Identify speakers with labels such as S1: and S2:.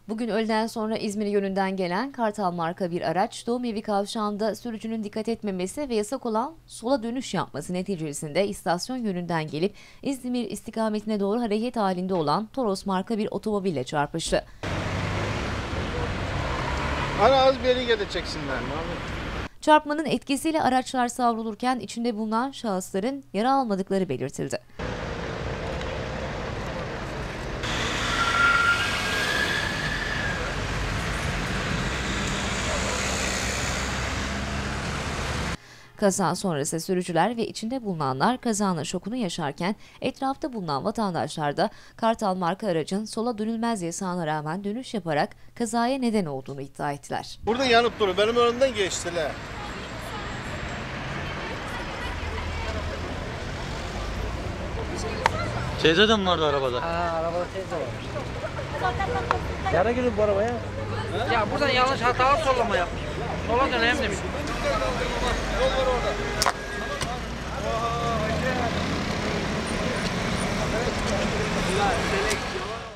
S1: Bugün öğleden sonra İzmir yönünden gelen Kartal marka bir araç Doğum Evi kavşağında sürücünün dikkat etmemesi ve yasak olan sola dönüş yapması neticesinde istasyon yönünden gelip İzmir istikametine doğru hareket halinde olan Toros marka bir otomobille çarpıştı.
S2: Az bir yere geleceksinler.
S1: Çarpmanın etkisiyle araçlar savrulurken içinde bulunan şahısların yara almadıkları belirtildi. Kaza sonrası sürücüler ve içinde bulunanlar kazanın şokunu yaşarken etrafta bulunan vatandaşlar da Kartal marka aracın sola dönülmez yasağına rağmen dönüş yaparak kazaya neden olduğunu iddia ettiler.
S2: Burada yanıp duruyor. Benim önümden geçtiler.
S3: Teyze de mi vardı arabada?
S4: Arabada teyze varmış. Yara girdi bu arabaya. Ya buradan yanlış hatalı sollama yapmış. Sola döneyim demiş.
S2: Yol var orada.